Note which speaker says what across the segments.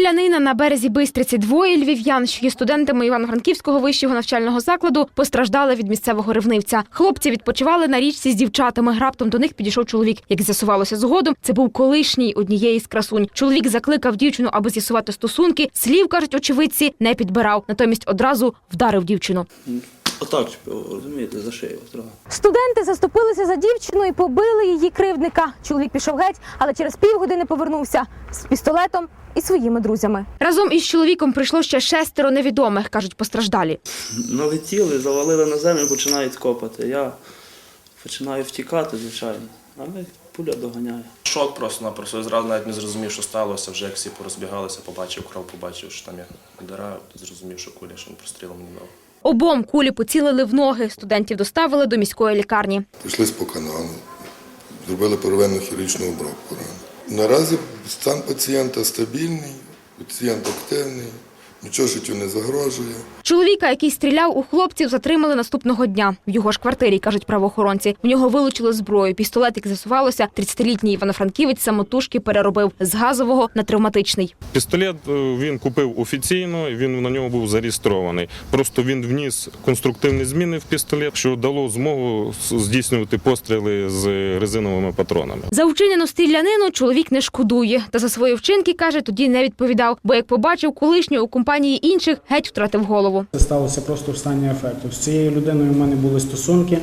Speaker 1: Стрілянина на березі Бистриці. Двоє львів'ян, що є студентами Івано-Франківського вищого навчального закладу, постраждали від місцевого ревнивця. Хлопці відпочивали на річці з дівчатами. Раптом до них підійшов чоловік. Як з'ясувалося згодом, це був колишній однієї з красунь. Чоловік закликав дівчину, аби з'ясувати стосунки. Слів, кажуть очевидці, не підбирав. Натомість одразу вдарив дівчину.
Speaker 2: Отак, розумієте, за шию.
Speaker 3: Студенти заступилися за дівчину і побили її кривдника. Чоловік пішов геть, але через півгодини повернувся з пістолетом і своїми друзями.
Speaker 1: Разом із чоловіком прийшло ще 6 невідомих, кажуть постраждалі.
Speaker 2: Налетіли, завалили на землю, починають копати. Я починаю втікати, звичайно, але пуля доганяє.
Speaker 4: Шок просто-напросто. Я зразу навіть не зрозумів, що сталося. Вже як всі порозбігалися, побачив кров, побачив, що там є діра, зрозумів, що куля, що він прострілом мені дав.
Speaker 1: Обом кулі поцілили в ноги. Студентів доставили до міської лікарні.
Speaker 5: Пішли по каналу, зробили первинну хірургічну обробку рани. Наразі стан пацієнта стабільний, пацієнт активний, нічого життю не загрожує.
Speaker 1: Чоловіка, який стріляв у хлопців, затримали наступного дня. В його ж квартирі, кажуть правоохоронці. В нього вилучили зброю. Пістолет, як з'ясувалося, 30-літній івано-франківець самотужки переробив з газового на травматичний.
Speaker 6: Пістолет він купив офіційно, він на ньому був зареєстрований. Просто він вніс конструктивні зміни в пістолет, що дало змогу здійснювати постріли з резиновими патронами.
Speaker 1: За вчинену стрілянину чоловік не шкодує. Та за свої вчинки, каже, тоді не відповідав. Бо як побачив колишнього у компанії інших, геть втратив голову.
Speaker 7: Це сталося просто в стані афекту. З цією людиною в мене були стосунки,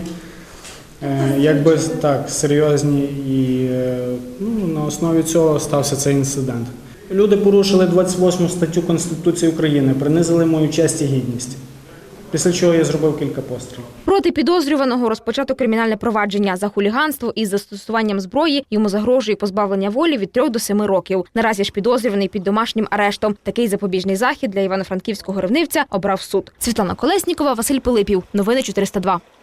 Speaker 7: якби так, серйозні, і на основі цього стався цей інцидент. Люди порушили 28 статтю Конституції України, принизили мою честь і гідність, після чого я зробив кілька пострілів.
Speaker 1: Проти підозрюваного розпочато кримінальне провадження за хуліганство із застосуванням зброї. Йому загрожує позбавлення волі від 3 до 7 років. Наразі ж підозрюваний під домашнім арештом. Такий запобіжний захід для івано-франківського ревнивця обрав суд. Світлана Колеснікова, Василь Пилипів. Новини 402.